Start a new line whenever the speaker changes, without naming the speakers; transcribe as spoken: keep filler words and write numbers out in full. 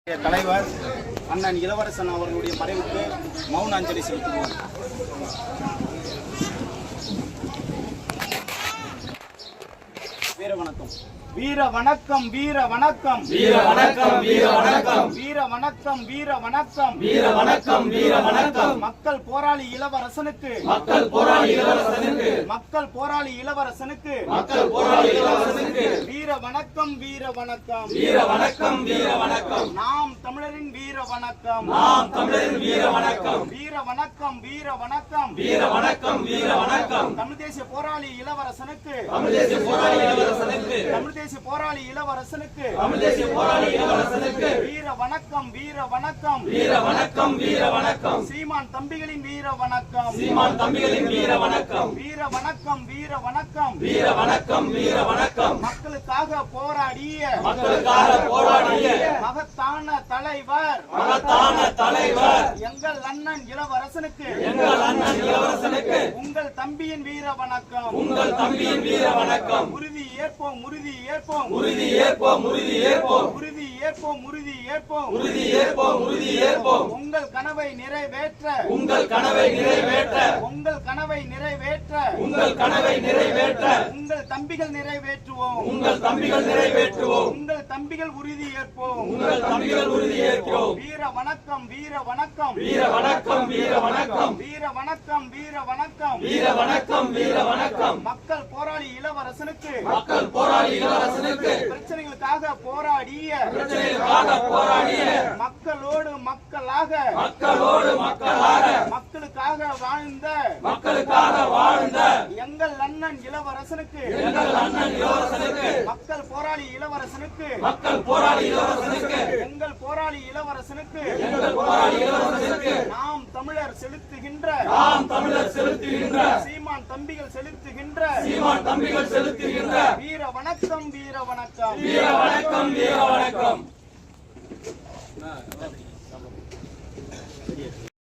தலைவர் அண்ணன் இளவரசன் அவர்களுடைய மறைவுக்கு மௌன அஞ்சலி செலுத்துவோம். வீர வணக்கம் வீர வணக்கம் வீர வணக்கம்
வீர வணக்கம் வீர வணக்கம்
வீர வணக்கம் வீர வணக்கம்
வீர வணக்கம் வீர வணக்கம்
மக்கள் போராளி இளவரசனுக்கு
மக்கள் போராளி இளவரசனுக்கு
மக்கள் போராளி இளவரசனுக்கு
மக்கள் போராளி இளவரசனுக்கு
வீர வணக்கம் வீர வணக்கம்
வீர வணக்கம் வீர வணக்கம்
நாம் தமிழரின் வீர வணக்கம்
நாம் தமிழரின் வீர வணக்கம்
வீர வணக்கம் வீர வணக்கம்
வீர வணக்கம் வீர வணக்கம்
தமிழ் தேசிய போராளி இளவரசனுக்கு
தமிழ் தேசிய போராளி இளவரசனுக்கு
தமிழ் தேசிய போராளி இளவரசனுக்கு
தமிழ் தேசிய போராளி இளவரசனுக்கு
வீர வணக்கம் வீர வணக்கம்
வீர வணக்கம் வீர வணக்கம்
சீமான் தம்பிகளின் வீர வணக்கம்
சீமான் தம்பிகளின் வீர வணக்கம்
வீர வணக்கம் வீர வணக்கம்
வீர வணக்கம் வீர வணக்கம்
மக்களுக்காக போராடிய
மக்களுக்காக போராடிய
மகத்தான தலைவர்
மகத்தான தலைவர்
எங்கள் அண்ணன் இளவரசனுக்கு
எங்கள் அண்ணன் இளவரசனுக்கு
உங்கள் தம்பியின் வீர வணக்கம்
உங்கள் தம்பியின் வீர வணக்கம்
உறுதி ஏற்போம் உறுதி ஏற்போம்
உறுதி ஏற்போம் உறுதி ஏற்போம்
உறுதி ஏற்போம் உறுதி ஏற்போம்
உறுதி ஏற்போம் உறுதி ஏற்போம்
உங்கள் கனவை நிறைவேற்ற
உங்கள் கனவை நிறைவேற்ற
உங்கள் கனவை நிறைவேற்ற
உங்கள் கனவை நிறைவேற்ற
உங்கள் தம்பிகள் நிறைவேற்றுவோம்
உங்கள் தம்பிகள் நிறைவேற்றுவோம்
உங்கள் தம்பிகள் உறுதி ஏற்போம்
உங்கள் தம்பிகள் உறுதி ஏற்கிறோம்
வீர வணக்கம் வீர வணக்கம்
வீர வணக்கம் வீர வணக்கம்
வீர வணக்கம் வீர வணக்கம்
வீர வணக்கம் வீர வணக்கம்
மக்கள் போராளி இளவரசனுக்கு
மக்கள் போராளி இளவரசனுக்கு
பிரச்சனைகளுக்காக போராடிய
பிரச்சனைகளுக்காக போராடிய
மக்களோடு மக்களாக
மக்களோடு மக்களாக
மக்களுக்காக வாழ்ந்த
மக்களுக்காக வாழ்ந்த
எங்கள் அண்ணன் இளவரசனுக்கு
எங்கள் அண்ணன் இளவரசனுக்கு
மக்கள் போராளி இளவரசனுக்கு
மக்கள் போராளி இளவரசனுக்கு
எங்கள் போராளி இளவரசனுக்கு
எங்கள் போராளி இளவரசனுக்கு
நாம் தமிழர் செலுத்துகின்ற
நாம் தமிழர் செலுத்துகின்ற
சீமான் தம்பிகள் செலுத்துகின்ற
சீமான் தம்பிகள் செலுத்துகின்ற
வீர வணக்கம் வீர வணக்கம்
வீர வணக்கம் வீர வணக்கம்